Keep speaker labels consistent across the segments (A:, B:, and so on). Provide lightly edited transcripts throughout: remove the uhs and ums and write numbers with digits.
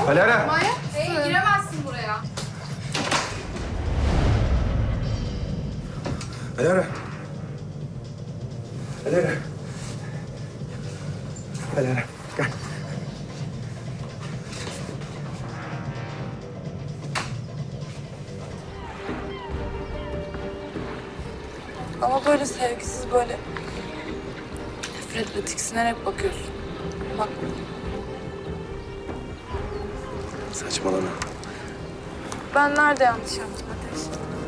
A: Alara.
B: Manyak. Giremezsin buraya.
A: Alara. Alara. Alara. Gel.
C: Ama böyle sevgisiz, böyle nefretle tiksinerek bakıyorsun. Bak.
A: Saçmalama.
C: Ben nerede yanlış yaptım Ateş?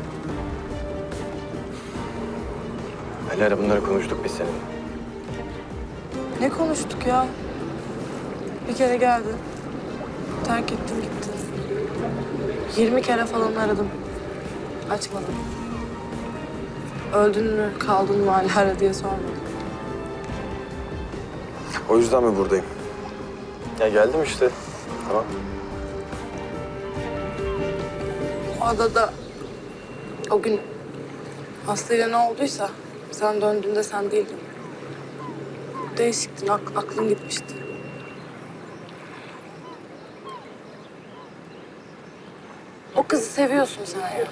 A: Alara, bunları konuştuk biz seninle.
C: Ne konuştuk ya? Bir kere geldi. Terk ettin gittin. 20 kere falan aradım. Açmadım. Öldün mü, kaldın mı hala diye sormadım.
A: O yüzden mi buradayım? Ya geldim işte. Tamam.
C: O adada o gün Aslı'yla ne olduysa sen döndüğünde sen değildin. Değişiktin, aklın gitmişti. O kızı seviyorsun sen ya.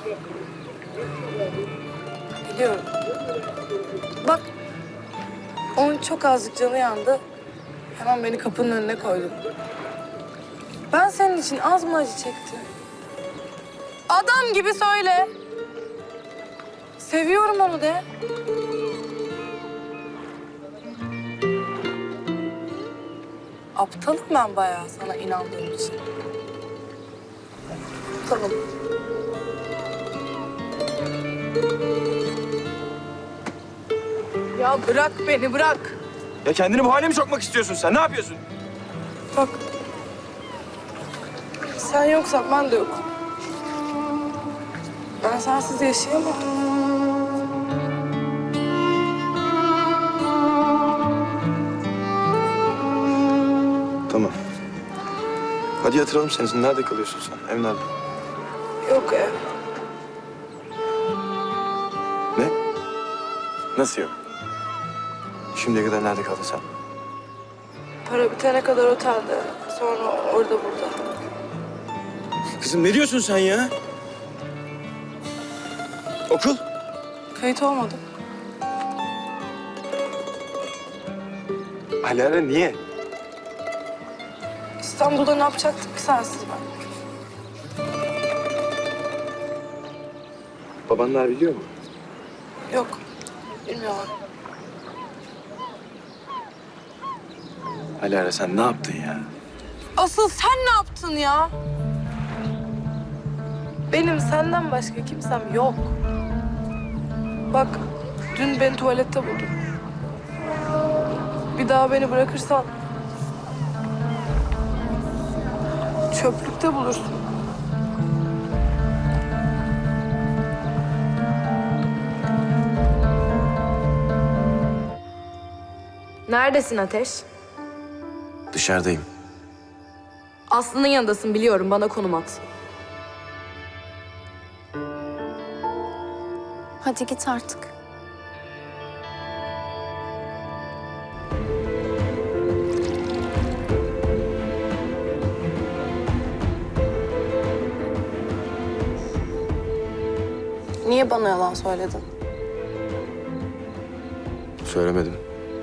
C: Biliyorum. Bak, onun çok azıcık canı yandı. Hemen beni kapının önüne koydun. Ben senin için az mı acı çektim? Adam gibi söyle. Seviyorum onu de. Aptalım ben bayağı sana inandığım için. Aptalım. Ya bırak beni, bırak.
A: Ya kendini bu hale mi sokmak istiyorsun sen? Ne yapıyorsun?
C: Bak. Sen yoksan ben de yokum. Ben sensiz yaşayamam.
A: Tamam. Hadi yatıralım seni. Nerede kalıyorsun sen? Ev nerede?
C: Yok ev.
A: Ne? Nasıl yok? Şimdiye kadar nerede kaldın sen?
C: Para bitene kadar otelde. Sonra orada burada.
A: Kızım ne diyorsun sen ya? Okul?
C: Kayıt olmadım.
A: Alara, niye?
C: İstanbul'da ne yapacaktık ki sensiz ben?
A: Babanlar biliyor mu?
C: Yok. Bilmiyorlar.
A: Alara, sen ne yaptın ya?
C: Asıl sen ne yaptın ya? Benim senden başka kimsem yok. Bak, dün beni tuvalette buldun. Bir daha beni bırakırsan çöplükte bulursun.
D: Neredesin Ateş?
A: Dışarıdayım.
D: Aslı'nın yanındasın biliyorum. Bana konum at.
E: Hadi git artık.
C: Niye bana yalan söyledin?
A: Söylemedim.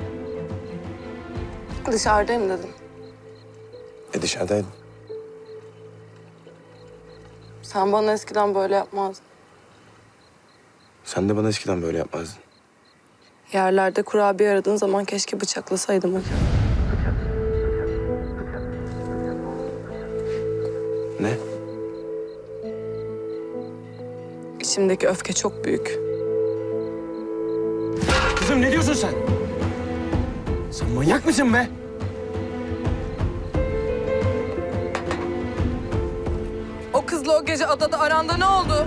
C: Dışarıdayım dedim.
A: Dışarıdaydım.
C: Sen bana eskiden böyle yapmazdın.
A: Sen de bana eskiden böyle yapmazdın.
C: Yerlerde kurabiye aradığın zaman keşke bıçaklasaydım hadi.
A: Ne?
C: İçimdeki öfke çok büyük.
A: Kızım ne diyorsun sen? Sen manyak mısın be?
C: O kızla o gece adada aranda ne oldu?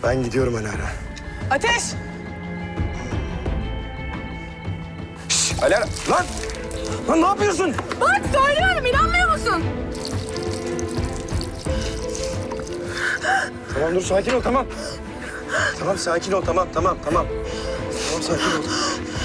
A: Ben gidiyorum Alara.
C: Ateş!
A: Şşş Alara! Lan! Lan ne yapıyorsun?
D: Bak söylüyorum, inanmıyor musun?
A: Tamam dur sakin ol tamam. Tamam sakin ol tamam. Tamam sakin ol.